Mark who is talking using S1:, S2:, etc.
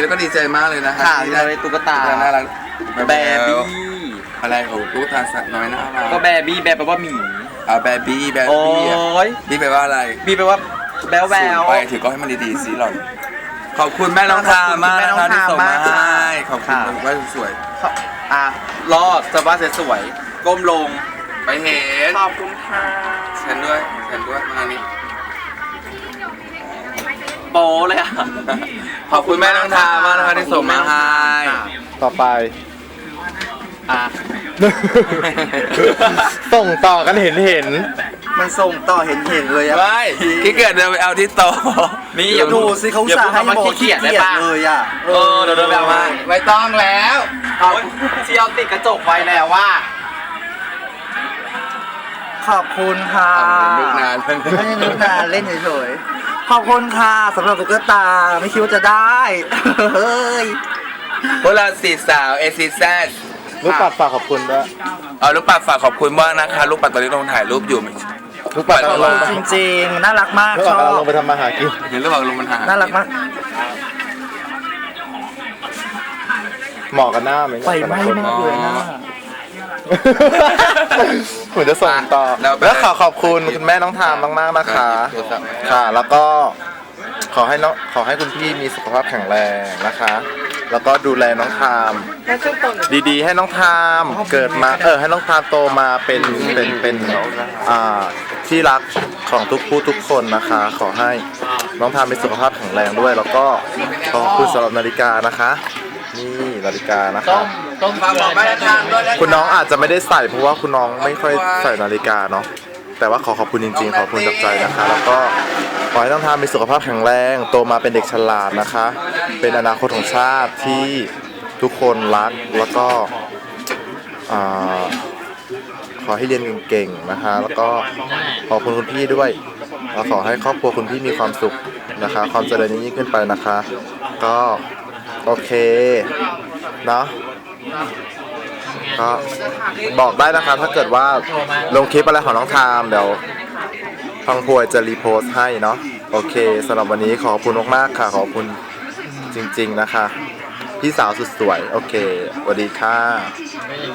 S1: ก็ดีใจมากเลยนะคะ
S2: ค่ะ
S1: ที่ได้
S2: ได้ตุ๊กตา
S1: น่ารัก
S2: แบบี้
S1: อะไรของตุ๊กตาสัตว์น้อยน่ารัก
S2: ก็แบบี้แบแปลว่าหมี
S1: แบบี้แบ
S2: โอ้
S1: บี้อ่ะ
S2: ย
S1: บี้แปลว่าอะไร
S2: บีแปลว่าแบวแวว
S1: สูงไปถือก็ให้มันดีๆสิหล่อนขอบคุณแม่น้องทามมากนะคะที่ส่งมาให้ขอบคุณว่าสวย
S2: อ่ะรอดจะว่าสวยๆก้มลง
S1: ไปเห็น
S2: ขอบคุณค่ะ
S1: ฉันด้วยมานี่
S2: โป้เลยอ่ะ
S1: ขอบคุณแม่น้องทามมากนะคะที่ส่งมาให้
S3: ต่อไป
S2: อ่ะ
S3: ส่งต่อกันเห็น
S4: มันส่งต่อเห็นเลยอะ
S1: ไม่ขี้เกียจเดินไปเอาที่โต๊ะ
S2: นี่อย่า
S4: ดูสิเขา
S2: อย่า
S4: สั่
S2: พู
S4: ง
S2: ด
S4: ให้
S2: คำว่า
S4: โม
S2: ขี้เกียจได้ปะ
S4: เลยอะ
S2: เออเดี๋ยวเดินไปเอามา
S1: ไม่ต้องแล้ว
S2: เอาเชียวติดกระจกไว้แล้วว่า
S4: ขอบคุณค่ะ
S1: นึกนาน
S4: ไม่ได้นึกนานเล่นเฉยๆขอบคุณค่ะสำหรับตุ๊กตาไม่คิดว่าจะได้เฮ้ย
S1: พวกเราสี่สาวเอซิแซด
S3: ๆลูกปัดฝากขอบคุณด้วย
S1: เอาลูกปัดฝากขอบคุณมากนะคะลูกปัดตอนนี้ลงถ่ายรูปอยู่
S3: ลูกปัด
S1: ขอบ
S3: กำ
S1: คุ
S3: ลั
S1: ณ
S3: ง
S4: จริงๆน่ารักมาก
S3: ลูก
S4: ช
S3: ปัด
S4: อก
S3: ำลังล
S4: บ
S3: งไปทำมาหากิน
S1: เห็นระหว่างลงมันหา
S4: น่ารักมาก
S3: เหมาะกับหน้าไหมเนี่ย
S4: ไฟไหม้มากเลยนะ
S3: เหมือนจะส่งต่อ แล้วขอบคุณคุณแม่น้องทามมากๆนะคะ ค่ะ แล้วก็ขอให้คุณพี่มีสุขภาพแข็งแรงนะคะ แล้วก็ดูแลน้องทามดีๆ ให้น้องทามเกิดมาให้น้องทามโตมาเป็นที่รักของทุกผู้ทุกคนนะคะ ขอให้น้องทามมีสุขภาพแข็งแรงด้วย แล้วก็ขอบคุณสำหรับนาฬิกานะคะ นี่นาฬิกานะคะ
S1: ต้องฝากบอกแม่ทางด้วยนะ
S3: คุณน้องอาจจะไม่ได้ใส่เพราะว่าคุณน้องไม่ค่อยใส่นาฬิกาเนาะแต่ว่าขอบคุณจริงๆขอบคุณจากใจนะคะ แล้วก็ขอให้น้องทามมีสุขภาพแข็งแรงโตมาเป็นเด็กฉลาดนะคะ เป็นอนาคตของชาติที่ทุกคนรักแล้วก็ขอให้เรียนเก่งๆนะคะ แล้วก็ขอบคุณคุณพี่ด้วยแล้วขอให้ครอบครัวคุณพี่มีความสุขนะคะ ความเจริญยิ่งขึ้นไปนะคะ ก็โอเคเนาะก็บอกได้นะคะถ้าเกิดว่าลงคลิปอะไรของน้องทามเดี๋ยวพังพวยจะรีโพสต์ให้เนาะโอเคสำหรับวันนี้ขอบคุณมากๆค่ะขอบคุณจริงๆนะคะพี่สาวสุดสวยโอเคสวัสดีค่ะ